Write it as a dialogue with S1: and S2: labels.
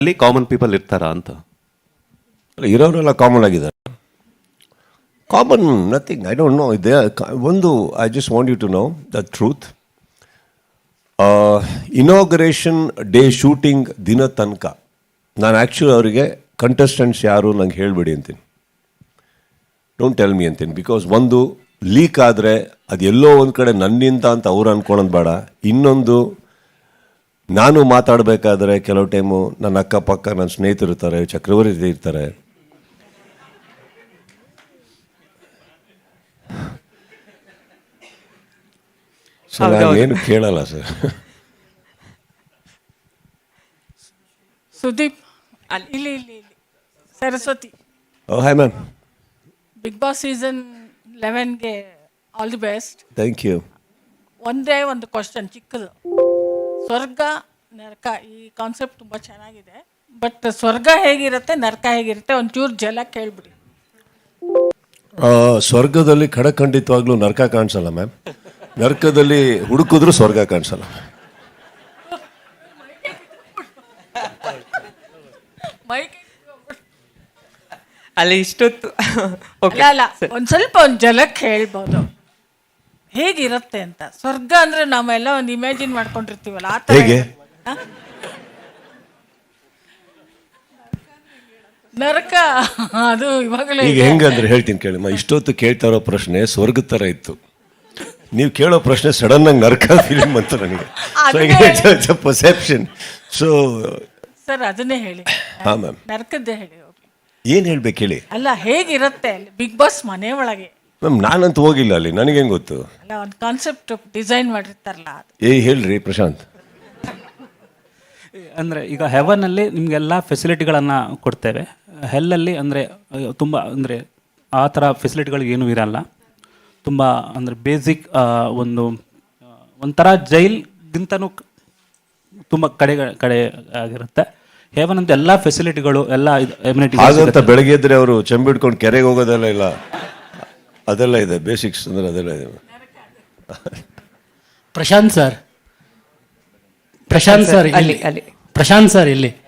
S1: ಅಲ್ಲಿ common people ಇರ್ತಾರಾ ಅಂತ?
S2: ಇರೋರೆಲ್ಲ ಕಾಮನ್ ಆಗಿದ್ದಾರೆ. Common nothing, I don't know. ಇದೆ ಒಂದು, I just want you to know the truth. Inauguration day shooting ದಿನ ತನಕ ನಾನು ಆ್ಯಕ್ಚುಲಿ ಅವರಿಗೆ ಕಂಟೆಸ್ಟೆಂಟ್ಸ್ ಯಾರು ನಂಗೆ ಹೇಳಿಬಿಡಿ ಅಂತೀನಿ, ಡೋಂಟ್ ಟೆಲ್ ಮಿ ಅಂತೀನಿ. ಬಿಕಾಸ್ ಒಂದು ಲೀಕ್ ಆದರೆ ಅದು ಎಲ್ಲೋ ಒಂದು ಕಡೆ ನನ್ನಿಂದ ಅಂತ ಅವ್ರು ಅಂದ್ಕೊಳ್ಳೋದು ಬೇಡ. ಇನ್ನೊಂದು, ನಾನು ಮಾತಾಡಬೇಕಾದ್ರೆ ಕೆಲವು ಟೈಮು ನನ್ನ ಅಕ್ಕಪಕ್ಕ ನನ್ನ ಸ್ನೇಹಿತರು ಇರ್ತಾರೆ, ಚಕ್ರವರ್ತಿ ಇರ್ತಾರೆ, ಸೊ ನಾನು ಏನು ಕೇಳಲ್ಲ ಸರ್.
S3: ಸುದೀಪ್ ಇಲ್ಲಿ Saraswati.
S2: Hi ma'am.
S3: Big Boss season 11ಗೆ all the best.
S2: Thank you.
S3: ಒಂದೇ ಒಂದು ಕ್ವಶನ್ ಚಿಕ್ಕದು. ಸ್ವರ್ಗ ನರಕ ಈ ಕಾನ್ಸೆಪ್ಟ್ ತುಂಬ ಚೆನ್ನಾಗಿದೆ, ಬಟ್ ಸ್ವರ್ಗ ಹೇಗಿರುತ್ತೆ ನರಕ ಹೇಗಿರುತ್ತೆ ಒಂಚೂರು ಜಲ ಕೇಳ್ಬಿಡಿ.
S2: ಸ್ವರ್ಗದಲ್ಲಿ ಖಂಡಿತವಾಗ್ಲೂ ನರಕ ಕಾಣಿಸಲ್ಲ ಮ್ಯಾಮ್. ನರಕದಲ್ಲಿ ಹುಡುಕಿದ್ರು ಸ್ವರ್ಗ ಕಾಣಿಸಲ್ಲ.
S4: ಅಲ್ಲಿ ಇಷ್ಟೊತ್ತು
S3: ಅಲ್ಲ ಒಂದ್ ಸ್ವಲ್ಪ ಒಂದು ಜಲಕ್ಕೆ ಹೇಳ್ಬೋದು ಹೇಗಿರುತ್ತೆ ಅಂತ. ಸ್ವರ್ಗ ಅಂದ್ರೆ ನಾವೆಲ್ಲ ಒಂದು ಇಮ್ಯಾಜಿನ್ ಮಾಡ್ಕೊಂಡಿರ್ತೀವಲ್ಲ ಆ ಥರ.
S2: ಹೇಗೆ?
S3: ನರಕ ಅದು ಇವಾಗಲೇ
S2: ಈಗ ಹೆಂಗಂದ್ರೆ ಹೇಳ್ತೀನಿ ಕೇಳಿ. ಇಷ್ಟೊತ್ತು ಕೇಳ್ತಾ ಇರೋ ಪ್ರಶ್ನೆ ಸ್ವರ್ಗದ ಥರ ಇತ್ತು, ನೀವು ಕೇಳೋ ಪ್ರಶ್ನೆ ಸಡನ್ ಆಗಿ ನರಕ ಫಿಲಿಮ್ ಅಂತ ನನಗೆ. ಪರ್ಸೆಪ್ಷನ್. ಸೊ
S3: ಸರ್ ಅದನ್ನೇ ಹೇಳಿ.
S2: ಹಾಂ ಮ್ಯಾಮ್.
S3: ನರಕದ್ದೇ ಹೇಳಿ.
S2: ಏನು ಹೇಳ್ಬೇಕು ಹೇಳಿ.
S3: ಅಲ್ಲ ಹೇಗಿರುತ್ತೆ ಅಲ್ಲಿ ಬಿಗ್ ಬಾಸ್ ಮನೆ ಒಳಗೆ?
S2: ಮ್ಯಾಮ್ ನಾನಂತೂ ಹೋಗಿಲ್ಲ ಅಲ್ಲಿ, ನನಗೇನು ಗೊತ್ತು.
S3: ಅಲ್ಲ ಒಂದು ಕಾನ್ಸೆಪ್ಟ್ ಡಿಸೈನ್ ಮಾಡಿರ್ತಾರಲ್ಲ ಅದು.
S2: ಹೇಳ್ರಿ ಪ್ರಶಾಂತ್.
S5: ಅಂದರೆ ಈಗ ಹೆವನಲ್ಲಿ ನಿಮಗೆಲ್ಲ ಫೆಸಿಲಿಟಿಗಳನ್ನು ಕೊಡ್ತೇವೆ. ಹೆಲ್ಲಲ್ಲಿ ಅಂದರೆ ತುಂಬ ಅಂದರೆ ಆ ಥರ ಫೆಸಿಲಿಟಿಗಳು ಏನೂ ಇರಲ್ಲ. ತುಂಬ ಅಂದರೆ ಬೇಸಿಕ್ ಒಂಥರ ಜೈಲ್ಗಿಂತನೂ ತುಂಬ ಕಡೆ ಆಗಿರುತ್ತೆ. ಹೆವನ್ ಅಂತ ಎಲ್ಲ ಫೆಸಿಲಿಟಿಗಳು ಎಲ್ಲ
S2: ಹಾಗಂತ ಬೆಳಗ್ಗೆ ಎದ್ರೆ ಅವರು ಚೆಂಬಿಡ್ಕೊಂಡು ಕೆರೆಗೆ ಹೋಗೋದೆಲ್ಲ ಇಲ್ಲ, ಅದೆಲ್ಲ ಇದೆ. ಬೇಸಿಕ್ಸ್ ಅಂದರೆ ಅದೆಲ್ಲ ಇದೆ.
S6: ಪ್ರಶಾಂತ್ ಸರ್ ಇಲ್ಲಿ.